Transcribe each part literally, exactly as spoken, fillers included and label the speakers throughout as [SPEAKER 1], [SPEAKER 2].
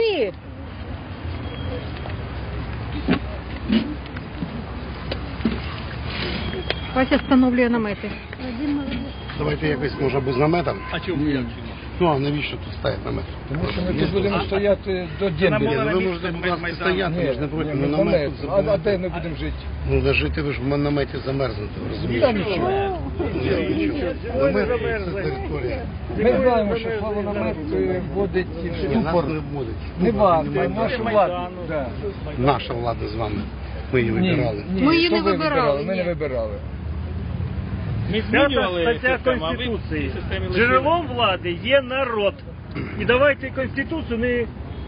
[SPEAKER 1] Вася встановлює намети.
[SPEAKER 2] Давайте якось, може, без намета.
[SPEAKER 3] А чому як?
[SPEAKER 2] Ну, а навіщо тут стоять намет?
[SPEAKER 4] Тому що ми тут будемо стояти до дембеля.
[SPEAKER 2] Ви можете, будь ласка, стояти, ми ж не проти, ну намет тут
[SPEAKER 4] А де
[SPEAKER 2] забудете.
[SPEAKER 4] ми будемо жити?
[SPEAKER 2] Ну, да жити ви ж в наметі замерзнете, ви
[SPEAKER 4] Та
[SPEAKER 2] розумієте?
[SPEAKER 4] нічого.
[SPEAKER 2] Ні, нічого. Намет – це територія.
[SPEAKER 4] Ми знаємо, що слово намет вводить
[SPEAKER 2] Ні, нас
[SPEAKER 4] ступор.
[SPEAKER 2] не вводить.
[SPEAKER 4] Не вас, а нашу владу. Да.
[SPEAKER 2] Наша влада з вами. Ми її вибирали.
[SPEAKER 4] Ні,
[SPEAKER 1] Ми її
[SPEAKER 4] то
[SPEAKER 1] не
[SPEAKER 4] ви
[SPEAKER 1] вибирали,
[SPEAKER 4] Ми не
[SPEAKER 1] ні.
[SPEAKER 4] вибирали.
[SPEAKER 3] Ми
[SPEAKER 5] П'ята
[SPEAKER 3] змінювали
[SPEAKER 5] стаття
[SPEAKER 3] систему, а ви
[SPEAKER 5] Конституції.
[SPEAKER 3] в системі лишили.
[SPEAKER 5] Джерелом влади є народ. І давайте Конституцію не...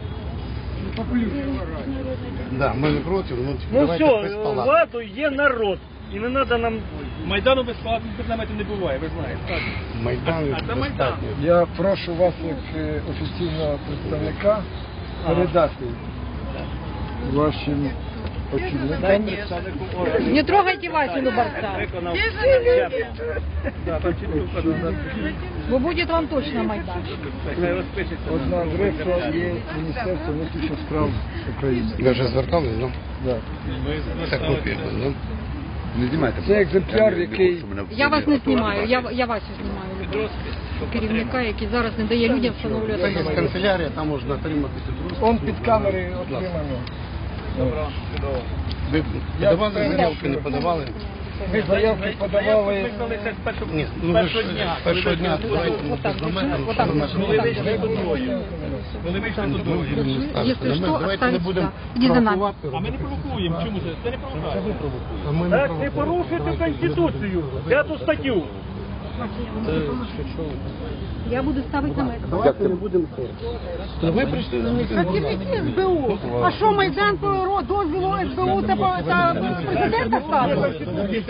[SPEAKER 2] Да, ми не проти, ну
[SPEAKER 5] Ну
[SPEAKER 2] давайте без
[SPEAKER 5] все,
[SPEAKER 2] палат.
[SPEAKER 5] владу є народ. І не треба нам...
[SPEAKER 3] Майдану без палатних наметів не буває, ви знаєте. Так.
[SPEAKER 2] Майдан
[SPEAKER 3] А це Майдан.
[SPEAKER 2] достатньо.
[SPEAKER 4] Я прошу вас, як е, офіційного представника, передати вашим очільникам.
[SPEAKER 1] Не трогайте Васю Любарца.
[SPEAKER 5] Виконав.
[SPEAKER 3] Да, там чітко вказано.
[SPEAKER 1] Бо буде вам точно Майдан.
[SPEAKER 3] Хай розпишеться.
[SPEAKER 4] Одна адреса є Міністерство внутрішніх справ України.
[SPEAKER 2] Ви вже звертались, ну?
[SPEAKER 4] Да.
[SPEAKER 2] Це копія, ну?
[SPEAKER 6] Не знімайте.
[SPEAKER 4] Це екземпляр, який...
[SPEAKER 1] Я вас не знімаю, я, я Васю знімаю. Любарця. Керівника, який зараз не дає людям
[SPEAKER 2] Це
[SPEAKER 1] встановлювати
[SPEAKER 2] є
[SPEAKER 1] намети.
[SPEAKER 2] канцелярія, там можна отримати підрозку.
[SPEAKER 4] Он під камери отримано.
[SPEAKER 2] Ви подавали заявки, не подавали?
[SPEAKER 4] Ми заявки подавали...
[SPEAKER 3] Ми коли це з першого,
[SPEAKER 2] Ні,
[SPEAKER 3] з
[SPEAKER 2] ну ви ж
[SPEAKER 3] першого дня.
[SPEAKER 2] з першого дня давайте ну, без намету, що ви
[SPEAKER 3] Коли вийшли додою. Коли вийшли додою.
[SPEAKER 1] Якщо що,
[SPEAKER 2] давайте не
[SPEAKER 1] оставить
[SPEAKER 2] будемо
[SPEAKER 1] сюди. Іди за нами.
[SPEAKER 2] провокувати.
[SPEAKER 3] А ми не провокуємо. Чому це? Це не провокація.
[SPEAKER 2] А ми не
[SPEAKER 5] Так, не
[SPEAKER 2] провокуємо.
[SPEAKER 5] порушуйте Конституцію. П'яту статтю.
[SPEAKER 1] Я буду ставити намети.
[SPEAKER 2] Давайте не будемо це. Ви прийшли на мітинг.
[SPEAKER 1] Працівники ес бе у. А що Майдан по дозволу ес бе у та по- та президента ставили?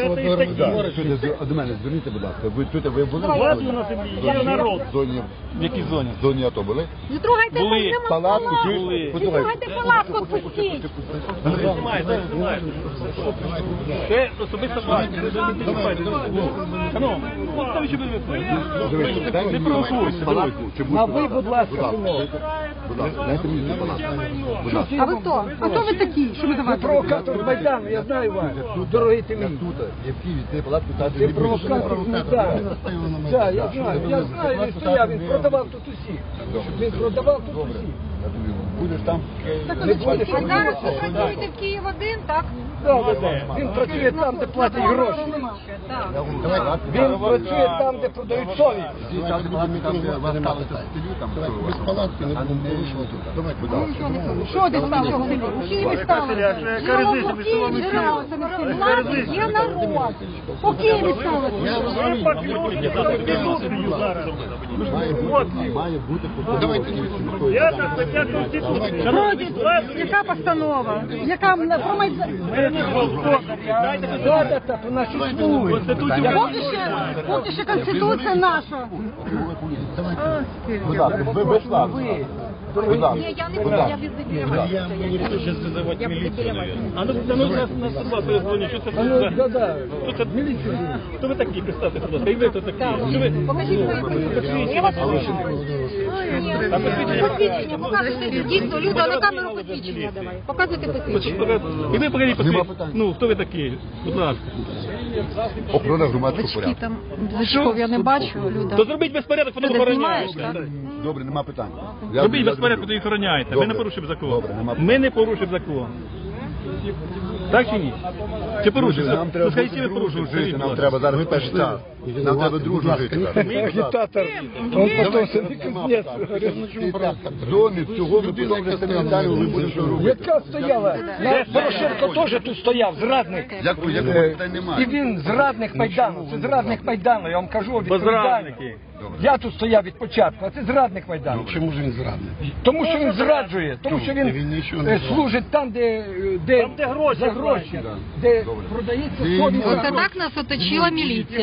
[SPEAKER 6] До мене зверніться, будь ласка. Ви тут ви були?
[SPEAKER 5] Владу на землі є народ.
[SPEAKER 6] В зоні,
[SPEAKER 3] В якій зоні?
[SPEAKER 6] в зоні АТО були?
[SPEAKER 1] Не трогайте
[SPEAKER 3] Були.
[SPEAKER 1] нема
[SPEAKER 6] Палатку
[SPEAKER 1] палатку.
[SPEAKER 6] були.
[SPEAKER 1] Не трогайте палатку, відпустіть.
[SPEAKER 3] Знімай, зараз знімай. Це особисто ваше. Не чіпайте. Ну, ставі, щоб ви не провокуйте.
[SPEAKER 4] А ви, будь ласка,
[SPEAKER 6] Будь ласка, дайте мені цю палатку. Будь ласка.
[SPEAKER 1] А ви хто? А хто ви такі? Що ви
[SPEAKER 4] ви
[SPEAKER 1] давайте?
[SPEAKER 4] провокатор з Майдану, я знаю вас. Дорогий ти мій.
[SPEAKER 6] Тут, є в Києві, це палатку та
[SPEAKER 4] Ти провокатор з Майдану. Так, я знаю, я знаю, він стояв, він продавав тут усіх. Він продавав тут усіх.
[SPEAKER 6] Будеш там.
[SPEAKER 4] Не будеш,
[SPEAKER 1] А зараз ви працюєте в Київ один, так?
[SPEAKER 4] Так, він працює там, де платять гроші.
[SPEAKER 1] Так.
[SPEAKER 4] Він працює там, де продають совість.
[SPEAKER 6] Там, де палатки, там, де вас ставити стелю, там,
[SPEAKER 2] Без палатки не будемо порушувати. Давайте, будь ласка.
[SPEAKER 1] Що ти ставив? Усі ви ставили.
[SPEAKER 5] Яка різниця між словами і силою?
[SPEAKER 1] Влади є народ. У Києві ставили.
[SPEAKER 5] Ви порушуєте Конституцію зараз.
[SPEAKER 6] має бути
[SPEAKER 2] Давайте
[SPEAKER 5] П'ята стаття Конституції.
[SPEAKER 1] Вроді, яка постанова? Яка м- про Майдан?
[SPEAKER 4] Влада та по нашій слуги.
[SPEAKER 1] Поки ще, поки ще Конституція наша.
[SPEAKER 6] Будь ласка, ви без ласка. Будь ласка.
[SPEAKER 1] Ні, я не буду, я без біля
[SPEAKER 3] Я говорю, що визивати міліцію, навіть. А ну, ну, нас, нас сто два перезвоню, що це
[SPEAKER 4] А ну,
[SPEAKER 3] за...
[SPEAKER 4] да-да.
[SPEAKER 3] Хто це? Міліція. Хто ви такі, представте, будь ласка, і ви хто такі? Що ви?
[SPEAKER 1] Покажіть свої посвідчення. Я вас прошу. Посвідчення, показуйте. Дійсно, Люда, на камеру посвідчення давай. Показуйте посвідчення.
[SPEAKER 3] І ви покажіть посвідчення. Ну, хто ви такі? Будь ласка.
[SPEAKER 6] Охорона громадського
[SPEAKER 1] Очки
[SPEAKER 6] порядку.
[SPEAKER 1] там, значков я не бачу, Люда.
[SPEAKER 3] То зробіть безпорядок, потім
[SPEAKER 1] Ти
[SPEAKER 3] охороняєте.
[SPEAKER 1] знімаєш, так?
[SPEAKER 6] Добре, нема питань. Я-
[SPEAKER 3] Робіть
[SPEAKER 6] я
[SPEAKER 3] безпорядок,
[SPEAKER 6] зроблю.
[SPEAKER 3] тоді охороняєте. Ми
[SPEAKER 6] Добре.
[SPEAKER 3] не порушимо закон.
[SPEAKER 6] Добре, нема
[SPEAKER 3] Ми не порушимо закон. Так чи ні? Чи порушимо?
[SPEAKER 6] Нам треба
[SPEAKER 3] Ну, скажіть, ви
[SPEAKER 6] дружно
[SPEAKER 3] порушили.
[SPEAKER 6] жити, нам треба зараз перший час. Нам треба дружно жити.
[SPEAKER 4] Агітатор. Он потім собі кузнець.
[SPEAKER 6] В зоні цього ви потім вже самі Віталію ви будете що робити.
[SPEAKER 4] Яка стояла? На- Порошенко теж тут стояв, зрадник.
[SPEAKER 6] Як ви, як ви, питань
[SPEAKER 4] І
[SPEAKER 6] немає.
[SPEAKER 4] він зрадник Майдану, це зрадник Майдану, я вам кажу відповідально.
[SPEAKER 3] Зрадники.
[SPEAKER 4] Я тут стояв від початку, а це зрадник Майдану.
[SPEAKER 2] Чому ж він зрадник?
[SPEAKER 4] Тому що він зраджує, тому що
[SPEAKER 2] Він
[SPEAKER 4] він
[SPEAKER 2] нічого не
[SPEAKER 4] е,
[SPEAKER 2] зрадив.
[SPEAKER 4] служить там, де, е, де,
[SPEAKER 5] Там, де гроші
[SPEAKER 4] за гроші,
[SPEAKER 5] платять.
[SPEAKER 4] де продається совість.
[SPEAKER 1] Оце так нас оточила міліція.
[SPEAKER 5] Гроші
[SPEAKER 6] Добре,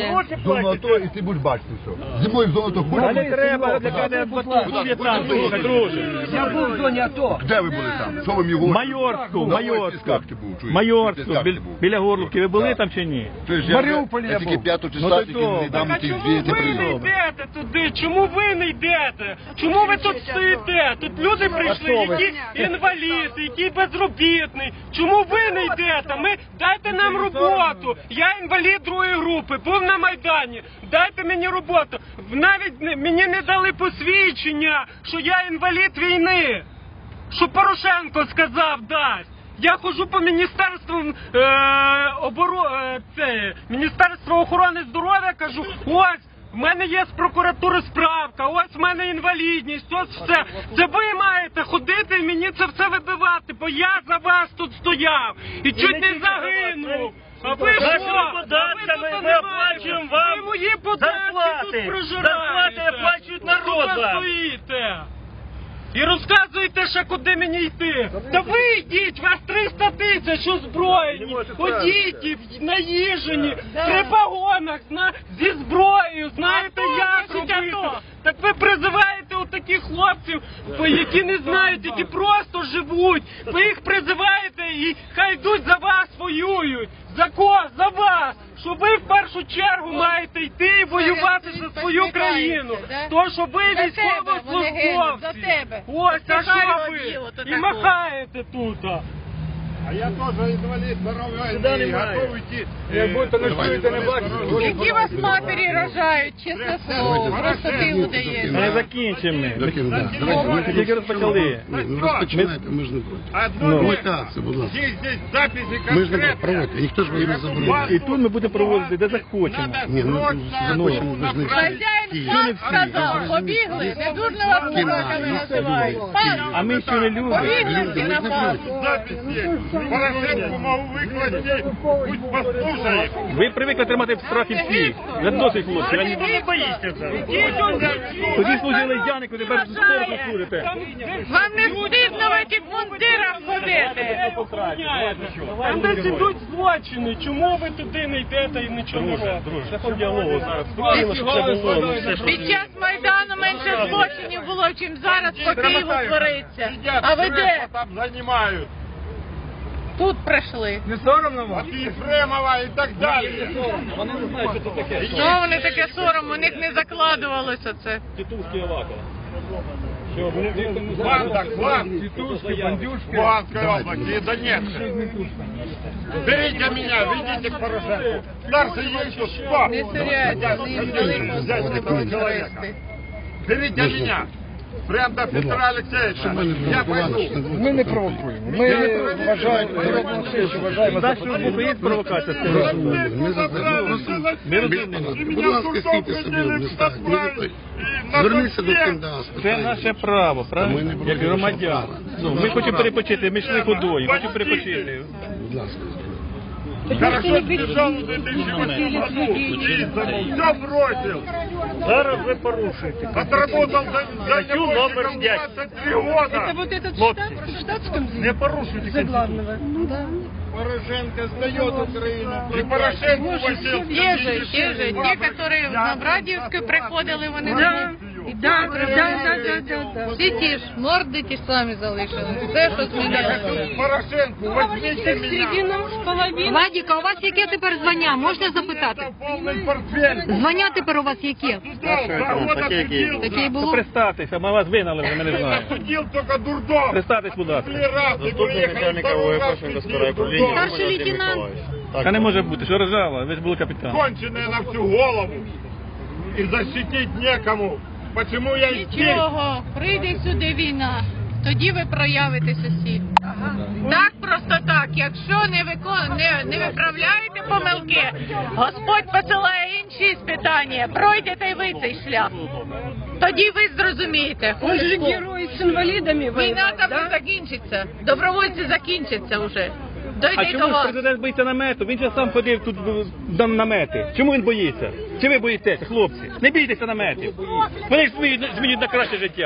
[SPEAKER 6] зону АТО, і ти будеш бачити все. Зимою в зону АТО будеш
[SPEAKER 3] А не
[SPEAKER 6] бачити.
[SPEAKER 3] треба для мене батут В'єтнам, слухай, друже.
[SPEAKER 4] Я був в зоні АТО.
[SPEAKER 6] Де ви були там? Що ви мені говорите?
[SPEAKER 3] Майорську,
[SPEAKER 6] Давай,
[SPEAKER 3] Майорську,
[SPEAKER 6] ти скажете був, чуєш?
[SPEAKER 3] Майорську,
[SPEAKER 6] Ти
[SPEAKER 3] біль-
[SPEAKER 6] був.
[SPEAKER 3] біля Горлівки. Ви були
[SPEAKER 6] Так.
[SPEAKER 3] там чи ні?
[SPEAKER 6] Чуєш,
[SPEAKER 4] В
[SPEAKER 6] я-
[SPEAKER 4] Маріуполі я
[SPEAKER 6] я тільки
[SPEAKER 4] був.
[SPEAKER 6] п'ятого
[SPEAKER 3] Ну,
[SPEAKER 6] числа,
[SPEAKER 3] то
[SPEAKER 6] тільки
[SPEAKER 3] то.
[SPEAKER 6] не дам
[SPEAKER 5] А
[SPEAKER 6] ті
[SPEAKER 5] чому
[SPEAKER 6] дві
[SPEAKER 5] ви не
[SPEAKER 6] прийняли.
[SPEAKER 5] йдете туди? Чому ви не йдете? Чому ви тут стоїте? Тут люди прийшли, які інвалід, які безробітний. Чому ви не йдете? Ми дайте нам роботу. Я інвалід другої групи, був на Майдані. Дайте мені роботу. Навіть не- мені не дали посвідчення, що я інвалід війни. Що Порошенко сказав дасть. Я ходжу по міністерству е, оборо, е, це, Міністерство охорони здоров'я, кажу, ось, в мене є з прокуратури справка, ось в мене інвалідність, ось все. Це ви маєте ходити і мені це все вибивати, бо я за вас тут стояв і чуть не загинув. А ви що?
[SPEAKER 7] Нашими
[SPEAKER 5] А ви
[SPEAKER 7] податками
[SPEAKER 5] тут
[SPEAKER 7] ми
[SPEAKER 5] не
[SPEAKER 7] оплачуємо
[SPEAKER 5] маєте.
[SPEAKER 7] вам
[SPEAKER 5] Ви мої податки
[SPEAKER 7] зарплати.
[SPEAKER 5] тут прожираєте.
[SPEAKER 7] Зарплати оплачують народ
[SPEAKER 5] Тут ви
[SPEAKER 7] вам.
[SPEAKER 5] стоїте. І розказуєте ще, куди мені йти. Та ви йдіть, вас триста тисяч озброєні, одіті, наїжені, при погонах, зна... зі зброєю, знаєте, як робити. Так ви призиваєте отаких хлопців, які не знають, які просто живуть. Ви їх призиваєте і хай йдуть за вас воюють. За кого? За вас. Що ви в першу чергу маєте йти і воювати за свою країну. То, що ви військовослужбовці. Ось, а що ви? І махаєте тут.
[SPEAKER 6] А я теж інвалід, здоров'я,
[SPEAKER 7] і готовий
[SPEAKER 6] йти.
[SPEAKER 4] Як будто не чуєте, не бачите.
[SPEAKER 1] Які вас матері рожають, чесне слово, просто ти
[SPEAKER 3] Ми
[SPEAKER 1] удаєш.
[SPEAKER 3] закінчимо.
[SPEAKER 6] Давайте,
[SPEAKER 3] Ми тільки розпочали.
[SPEAKER 2] Ну, розпочинайте, ми ж не проти.
[SPEAKER 3] Ну.
[SPEAKER 2] Ну, так, це, будь ласка.
[SPEAKER 6] Здесь, здесь записи
[SPEAKER 2] Ми ж не проти, проводьте, ніхто ж вас не заборонив.
[SPEAKER 3] І тут ми будемо проводити, де захочемо.
[SPEAKER 2] Ні, ну, захочемо, ви ж не
[SPEAKER 1] Хазяїн сам сказав, побігли, не дурно вас собаками називають.
[SPEAKER 3] А ми ще не любимо.
[SPEAKER 1] Побігли всі на пасу.
[SPEAKER 6] записи. Порошенку можу викласти, пусть послухає.
[SPEAKER 3] Ви привикли тримати в страхі всіх. Вже досить, хлопці. Я не-
[SPEAKER 7] Ви боїтеся зараз.
[SPEAKER 3] Тоді служили Янику, тепер спорту служите.
[SPEAKER 1] Вам не стидно в цих мундирах ходити?
[SPEAKER 5] Там десь ідуть злочини. Чому ви туди не йдете і нічого не робите?
[SPEAKER 3] Шляхом діалогу зараз.
[SPEAKER 1] Під час Майдану менше злочинів було, чим зараз по Києву твориться. А ви де?
[SPEAKER 6] Там займають.
[SPEAKER 1] Тут прийшли.
[SPEAKER 4] Не соромно вам?
[SPEAKER 6] Єфремова і так далі.
[SPEAKER 3] Вони не знають, що це таке.
[SPEAKER 1] Що вони таке сором, у них не закладувалося це.
[SPEAKER 3] Тітушки Авакова.
[SPEAKER 6] Банда, клан.
[SPEAKER 4] Тітушки, бандюшки.
[SPEAKER 6] Луганской области и Донецка. Берите меня, ведите к Порошенку. Старший Ельцин, что?
[SPEAKER 1] Не сиряйте, вони їм дали позицію терористи.
[SPEAKER 6] Берите меня. Прям до Петра Алексеевича. Я пойду.
[SPEAKER 4] Ми не провокуємо. Ми вважаємо, народну встречу вважаємо за
[SPEAKER 3] Так, що в Україні провокація скажу.
[SPEAKER 2] Ми за це.
[SPEAKER 3] Ми розуміємо.
[SPEAKER 2] Будь ласка, стійте собі, не ставте. Ми не той. Зверніться до КМДА.
[SPEAKER 3] Це наше право,
[SPEAKER 2] Ми не
[SPEAKER 3] правильно?
[SPEAKER 2] проти
[SPEAKER 3] Як громадян.
[SPEAKER 2] нашого
[SPEAKER 3] Ну, ми хочемо перепочити, ми йшли ходою, хочемо перепочити.
[SPEAKER 2] Будь ласка.
[SPEAKER 6] Хорошо сбежал в две тысячи восьмом году. Все бросил.
[SPEAKER 7] Зараз ви порушуєте.
[SPEAKER 6] Отработал за, за
[SPEAKER 7] Статтю номер п'ять.
[SPEAKER 6] двадцать три года.
[SPEAKER 1] Вот этот
[SPEAKER 7] Хлопці,
[SPEAKER 1] в штатском
[SPEAKER 7] не порушуйте Конституцію.
[SPEAKER 6] Порошенко сдает Украину. И Порошенко возил.
[SPEAKER 1] Те же, те же, те, которые в Новрадівську приходили, вони да. Да, да, да, да, да, да. Всі ті ж, морди ті ж самі залишили. Все, що змінилося.
[SPEAKER 6] Порошенко, возьмите меня.
[SPEAKER 8] Владіка, у вас яке тепер звання? Можна запитати?
[SPEAKER 6] Полный портфель.
[SPEAKER 8] Звання тепер у вас яке?
[SPEAKER 6] Два года судил.
[SPEAKER 8] Таке й
[SPEAKER 3] Ну,
[SPEAKER 8] було?
[SPEAKER 3] представтеся, ми вас вигнали, вже ми не знаємо.
[SPEAKER 6] Судил только дурдом.
[SPEAKER 3] Представтесь, будь ласка.
[SPEAKER 6] Три раза и приехал второй раз судил дурдом.
[SPEAKER 8] Старший лейтенант.
[SPEAKER 3] Та не може бути, що рожала, ви ж були капітан.
[SPEAKER 6] Конченые на всю голову. И защитить некому. Почему я здесь?
[SPEAKER 1] Нічого, прийде сюди війна, тоді ви проявитеся всі. Так, просто так, якщо не, викон... не, не виправляєте помилки, Господь посилає інші спитання, пройдете й ви цей шлях. Тоді ви зрозумієте.
[SPEAKER 9] Он же герой с инвалидами
[SPEAKER 1] Війна
[SPEAKER 9] воевал,
[SPEAKER 1] там
[SPEAKER 9] да?
[SPEAKER 1] не закінчиться, добровольці закінчаться вже.
[SPEAKER 3] А
[SPEAKER 1] Дойде до
[SPEAKER 3] чому ж
[SPEAKER 1] вас.
[SPEAKER 3] президент боїться намету? Він же сам ходив тут в намети. Чому він боїться? Чи ви боїтеся, хлопці? Не бійтеся наметів. Вони ж змінюють, змінюють на краще життя.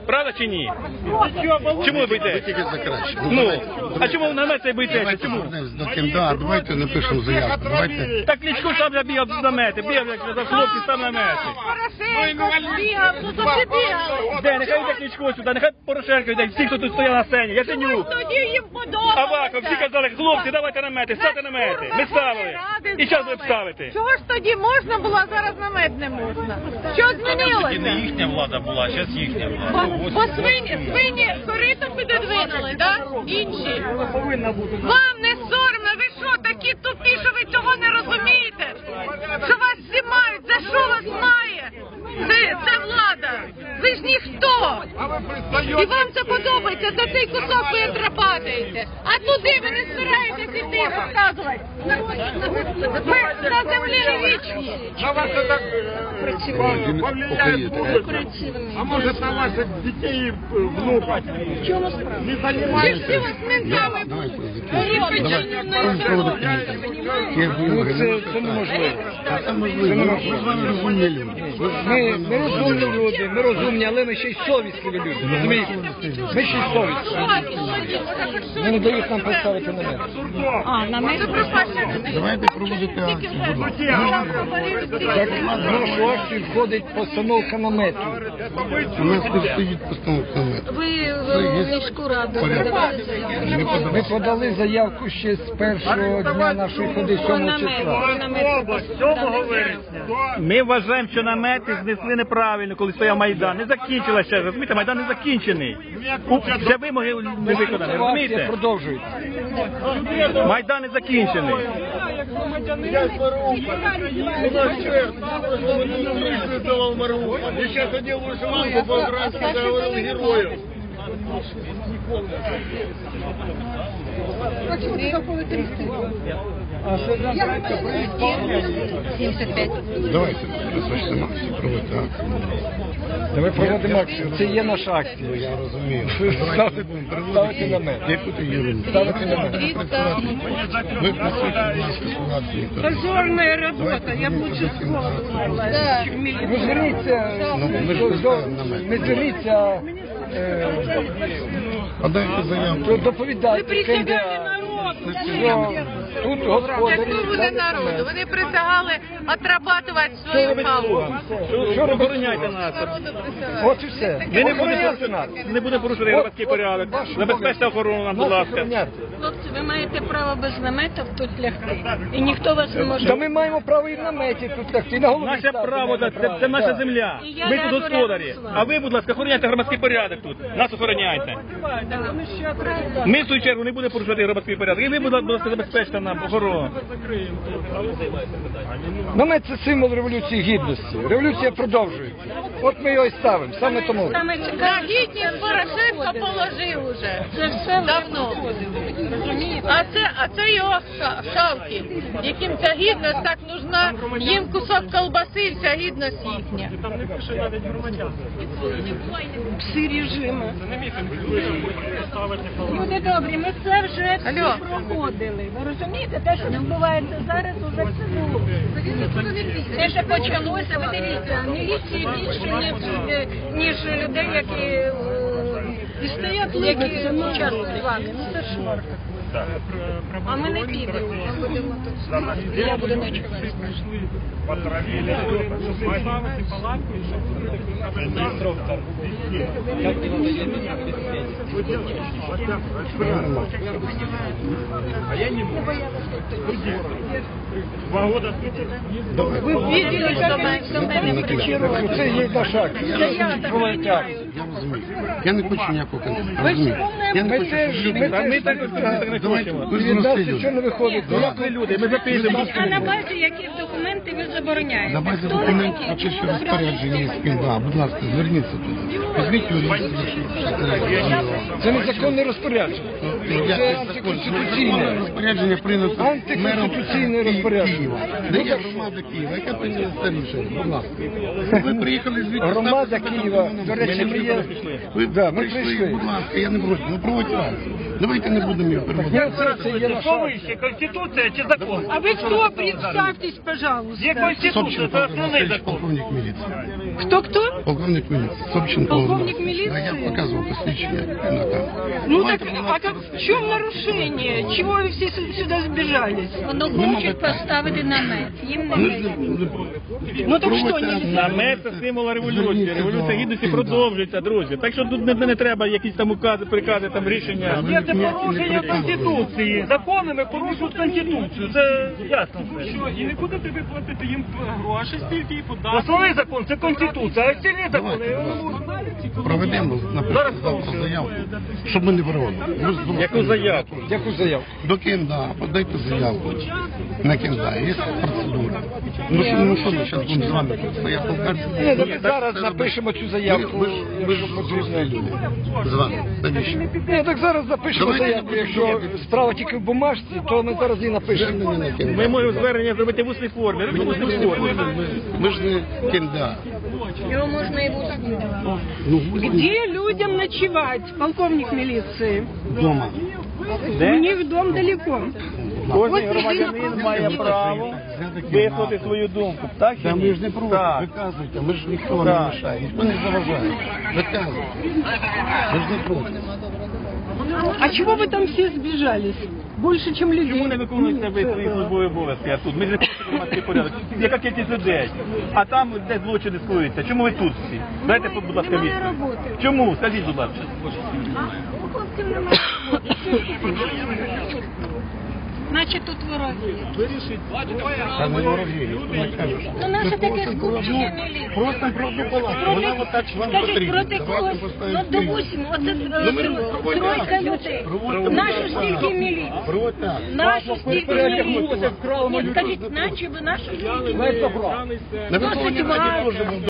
[SPEAKER 3] Правда чи ні? Чому ви
[SPEAKER 2] Ви
[SPEAKER 3] боїтеся?
[SPEAKER 2] тільки за краще.
[SPEAKER 3] Ну, а чому на намет цей боїтеся?
[SPEAKER 2] Давайте
[SPEAKER 3] Чому?
[SPEAKER 2] звернемось до КМДА, давайте напишемо заявку. Давайте.
[SPEAKER 3] Так Кличко сам забігав з намети, бігав, як за хлопці, сам намети.
[SPEAKER 1] Порошенко бігав, ну то ти бігали.
[SPEAKER 3] Де, нехай йде Кличко сюди, нехай Порошенко йде, всі, хто тут стояв на сцені, Яценюк.
[SPEAKER 1] Тоді їм подобалося.
[SPEAKER 3] Аваков, всі казали, хлопці, давайте намети, ставте намети. Ми ставили. І час ви б ставите.
[SPEAKER 1] Чого ж тоді можна було, а зараз намет не можна? Що змінилося?
[SPEAKER 3] їхня влада була, зараз їхня
[SPEAKER 1] Бо, бо свині, свині корито підодвинули, так? Інші. Вам не соромно, ви що, такі тупі, що ви цього не розумієте? Що вас всі мають, за що вас має? Це, це влада. Ви ж ніхто. І вам це подобається, за цей кусок ви отрапаєте. А туди ви не збираєтесь іти розказувати. Ви на землі не вічні.
[SPEAKER 6] На вас это э, повлияет в будущем. А может на ваших детей и внуков? Не
[SPEAKER 1] Ви
[SPEAKER 6] занимаетесь?
[SPEAKER 1] всі вас ментами.
[SPEAKER 2] Давайте закінчимо. Давайте проводити комітет. Є вимоги.
[SPEAKER 4] Це, це неможливо.
[SPEAKER 2] Це можливо. Ми з вами розумні люди.
[SPEAKER 4] Ми, ми розумні люди, ми розумні, але ми ще й совісливі люди. Розумієте? Ми ще й совісливі. Вони не дають нам поставити намет.
[SPEAKER 1] А, на мене
[SPEAKER 2] Давайте проводити акцію. Будь ласка.
[SPEAKER 4] Так, в нашу акцію входить постановка намету.
[SPEAKER 2] У нас тут стоїть постановка намету.
[SPEAKER 8] Ви в міську раду подавали заявку.
[SPEAKER 4] Ми подали заявку ще з першого дня нашої ходи сьомого числа.
[SPEAKER 7] сьомого вересня.
[SPEAKER 3] Ми вважаємо, що намети знесли неправильно, коли стояв Майдан. Не закінчилося ще, розумієте, Майдан не закінчений. У- Вже вимоги не виконані,
[SPEAKER 4] Акція
[SPEAKER 3] розумієте?
[SPEAKER 4] продовжується.
[SPEAKER 3] Майдан не закінчений.
[SPEAKER 6] Я сейчас одел вышиванку по-украински, говорил героев.
[SPEAKER 8] сімдесят п'ять.
[SPEAKER 2] Давайте розпочнемо акцію, проводити акцію.
[SPEAKER 4] Давай проводимо акцію. Це є наша акція.
[SPEAKER 2] Я розумію.
[SPEAKER 4] Ставити, ставити намет.
[SPEAKER 2] Яку-то єрунду.
[SPEAKER 4] Ставити намет.
[SPEAKER 2] Ви працюєте, будь ласка, ситуацію.
[SPEAKER 9] Позорная работа, я б лучше с голову
[SPEAKER 8] Да.
[SPEAKER 4] Ви зверніться,
[SPEAKER 2] Ну, ми ж
[SPEAKER 4] до-
[SPEAKER 2] поставимо намет.
[SPEAKER 4] ви зверніться, е,
[SPEAKER 2] Подайте заявку.
[SPEAKER 4] до- доповідайте КМДА, що тут господарі.
[SPEAKER 1] Якщо буде народу, вони присягали отрабатувати свою халу.
[SPEAKER 4] Що робити?
[SPEAKER 3] Охороняйте нас.
[SPEAKER 4] От і все.
[SPEAKER 3] Ми не
[SPEAKER 4] Охороняйте
[SPEAKER 3] будемо
[SPEAKER 4] нас.
[SPEAKER 3] не будемо порушувати громадський порядок. Забезпечте охорону нам, будь
[SPEAKER 4] Нас
[SPEAKER 3] ласка.
[SPEAKER 4] охороняти.
[SPEAKER 8] Хлопці, ви маєте право без наметів тут лягти. І ніхто вас не може.
[SPEAKER 4] Та ми маємо право і в наметі тут лягти, і на голові
[SPEAKER 3] Наше
[SPEAKER 4] ставити
[SPEAKER 3] право,
[SPEAKER 4] маємо
[SPEAKER 3] це, це наша
[SPEAKER 4] так.
[SPEAKER 3] земля.
[SPEAKER 8] І я
[SPEAKER 3] Ми тут
[SPEAKER 8] ляжу
[SPEAKER 3] господарі.
[SPEAKER 8] рядом з вами.
[SPEAKER 3] А ви, будь ласка, охороняйте громадський порядок тут. Нас охороняйте. Ми, в свою чергу, не будемо порушувати громадський порядок. І ви, будь ласка, забезпечте нам охорону.
[SPEAKER 4] Намет – це символ Революції Гідності. Революція продовжується. От ми його і ставимо, саме тому.
[SPEAKER 8] Саме
[SPEAKER 1] На
[SPEAKER 8] цікаве,
[SPEAKER 1] гідність Порошенко положив уже.
[SPEAKER 8] це все
[SPEAKER 1] Давно. А це, а це його ша- шавки, яким ця гідність так нужна, їм кусок колбаси і вся гідність їхня.
[SPEAKER 9] пси режиму.
[SPEAKER 8] Люди добрі, ми це вже всі
[SPEAKER 1] Алло.
[SPEAKER 8] проходили. Ви розумієте, те, що відбувається зараз, уже все було. Те, що почалося, ви дивіться, міліції більше, ніж, ніж людей, які, е,
[SPEAKER 9] І стоять
[SPEAKER 8] які участвують з вами. Ну це ж а ми не підемо. Ми будемо тут. Я буду ночувати.
[SPEAKER 6] Потравили. Два года
[SPEAKER 1] Ви бачили, що ми
[SPEAKER 8] До мене причаровують.
[SPEAKER 4] Це є наша акція. Проводити акцію.
[SPEAKER 2] Я розумію. Я не хочу ніякого конфлікту. Розумію. Я не
[SPEAKER 4] Ми
[SPEAKER 2] хочу,
[SPEAKER 4] теж,
[SPEAKER 2] щоб
[SPEAKER 4] ми
[SPEAKER 2] люди...
[SPEAKER 3] Та ми так
[SPEAKER 4] теж,
[SPEAKER 3] так не
[SPEAKER 2] Давайте,
[SPEAKER 3] хочемо.
[SPEAKER 2] ви ж
[SPEAKER 4] від нас
[SPEAKER 2] прості
[SPEAKER 4] нічого не
[SPEAKER 2] люди.
[SPEAKER 4] виходить.
[SPEAKER 3] Як ви люди, ми записуємо.
[SPEAKER 8] А на базі яких документів ви забороняєте?
[SPEAKER 2] На базі
[SPEAKER 8] Хто
[SPEAKER 2] документів
[SPEAKER 8] такі?
[SPEAKER 2] почавши розпорядження із КМДА. Будь ласка, зверніться туди. Візьміть юридичну.
[SPEAKER 4] Це незаконне розпорядження. Це антиконституційне.
[SPEAKER 2] Розпорядження прийнято
[SPEAKER 4] Антиконституційне
[SPEAKER 2] мером
[SPEAKER 4] розпорядження.
[SPEAKER 2] Києва. Де є громада Києва? Яка прийняла це рішення? Будь ласка. Ви приїхали звідти.
[SPEAKER 4] Громада
[SPEAKER 2] ставте себе
[SPEAKER 4] Києва,
[SPEAKER 2] на
[SPEAKER 4] до речі, ми є.
[SPEAKER 2] Ви
[SPEAKER 4] Да, ми
[SPEAKER 2] прийшли,
[SPEAKER 4] прийшли.
[SPEAKER 2] будь ласка, я не проти. Ну проводьте акцію. Давайте не будемо її
[SPEAKER 4] Ні,
[SPEAKER 2] переводити.
[SPEAKER 4] це, це є наша
[SPEAKER 7] Що
[SPEAKER 4] акція.
[SPEAKER 7] вище, Конституція чи закон?
[SPEAKER 9] А вы кто? Представьтесь, пожалуйста.
[SPEAKER 7] Є Конституція,
[SPEAKER 2] Собченко
[SPEAKER 7] це
[SPEAKER 2] Павло
[SPEAKER 7] основний
[SPEAKER 2] Васильович,
[SPEAKER 7] закон.
[SPEAKER 2] полковник міліції.
[SPEAKER 9] Кто-кто?
[SPEAKER 2] Полковник міліції. Собченко.
[SPEAKER 9] Полковник
[SPEAKER 2] А
[SPEAKER 9] міліції?
[SPEAKER 2] я показував посвідчення на камеру.
[SPEAKER 9] Ну так, а как, в чем нарушение? Чего вы все сю- сюда сбежались?
[SPEAKER 8] Воно хочуть поставити намет. Їм не
[SPEAKER 2] Ми ж
[SPEAKER 8] дають.
[SPEAKER 2] не-
[SPEAKER 9] Ну так что,
[SPEAKER 2] проводьте
[SPEAKER 9] нельзя?
[SPEAKER 3] Намет це символ революції. Революція гідності продовжується, друзі. Так що тут не, не треба якісь там укази, прикази, там рішення.
[SPEAKER 7] Є це порушення Конституції. Законами порушують Конституцію. Це ясно.
[SPEAKER 5] Що, і не будете ви платити їм гроші, стільки і податки?
[SPEAKER 7] Основний закон це Конституція, а остальні закони.
[SPEAKER 2] Проведемо, наприклад, завтра заявку, щоб ми не проводили. Ми ж думали,
[SPEAKER 3] Яку заявку?
[SPEAKER 4] Яку заяву?
[SPEAKER 2] До КМДА, подайте заявку на КМДА, є процедура. Ну що, ну що ми зараз будемо з вами тут стояти толкатися?
[SPEAKER 4] Ні, так зараз напишемо цю заявку.
[SPEAKER 2] Ми ж, ми ж взрослі люди. З вами. Навіщо?
[SPEAKER 4] Ні, так зараз напишемо
[SPEAKER 2] Давайте
[SPEAKER 4] заявку.
[SPEAKER 2] не
[SPEAKER 4] Якщо
[SPEAKER 2] будемо.
[SPEAKER 4] справа тільки в бумажці, то ми зараз її напишемо.
[SPEAKER 2] Звернення на КМДА.
[SPEAKER 3] Ми можемо звернення зробити в усній формі. Робіть в усній формі.
[SPEAKER 2] Ми ж не КМДА.
[SPEAKER 8] Його можна і бути.
[SPEAKER 2] Ну,
[SPEAKER 9] Где людям ночевать, полковник милиции?
[SPEAKER 2] вдома.
[SPEAKER 9] У них дом далеко.
[SPEAKER 3] Кожен громадянин має право висловити свою думку. Так чи
[SPEAKER 2] Та
[SPEAKER 3] ні?
[SPEAKER 2] ми ж не проти,
[SPEAKER 3] Так.
[SPEAKER 2] виказуйте, ми ж ніхто вам не
[SPEAKER 3] Так.
[SPEAKER 2] мішає, ніхто не заважає. Виказуйте. Ми ж не проти.
[SPEAKER 9] А чего вы там все сбежались? Больше, чем людей.
[SPEAKER 3] Чому не виконуєте ви свої службові обов'язки, а тут? Ми ж не хочемо громадський порядок. Яка кількість людей? А там де злочини скоюються. Чому ви тут всі? Дайте, будь ласка,
[SPEAKER 8] Немає
[SPEAKER 3] місце.
[SPEAKER 8] роботи.
[SPEAKER 3] Чому? Скажіть, будь ласка.
[SPEAKER 8] У хлопців немає роботи. Значить тут вороги.
[SPEAKER 2] Та не ворожі, ніхто не каже, що.
[SPEAKER 8] Ну наше
[SPEAKER 2] Ми
[SPEAKER 8] таке
[SPEAKER 2] просимо про
[SPEAKER 8] скупчення
[SPEAKER 2] одну-
[SPEAKER 8] міліції.
[SPEAKER 2] Просто про одну палату. Вона отак вам
[SPEAKER 8] Скажіть,
[SPEAKER 2] потрібна.
[SPEAKER 8] проти
[SPEAKER 2] Давайте
[SPEAKER 8] когось,
[SPEAKER 2] поставимо
[SPEAKER 8] ну
[SPEAKER 2] спільно.
[SPEAKER 8] допустимо, оце
[SPEAKER 2] Ну, ми
[SPEAKER 8] е,
[SPEAKER 2] проводимо
[SPEAKER 8] тройка
[SPEAKER 2] акцію.
[SPEAKER 8] людей.
[SPEAKER 2] Проводимо
[SPEAKER 8] Нашу
[SPEAKER 2] акцію.
[SPEAKER 8] стільки міліції.
[SPEAKER 2] Проводьте акцію.
[SPEAKER 8] Нашу стільки
[SPEAKER 3] переодягнулися,
[SPEAKER 8] міліції.
[SPEAKER 3] вкрали
[SPEAKER 8] Ні,
[SPEAKER 3] мою
[SPEAKER 8] скажіть, наче ви нашу стільки
[SPEAKER 2] На Верховній Раді теж був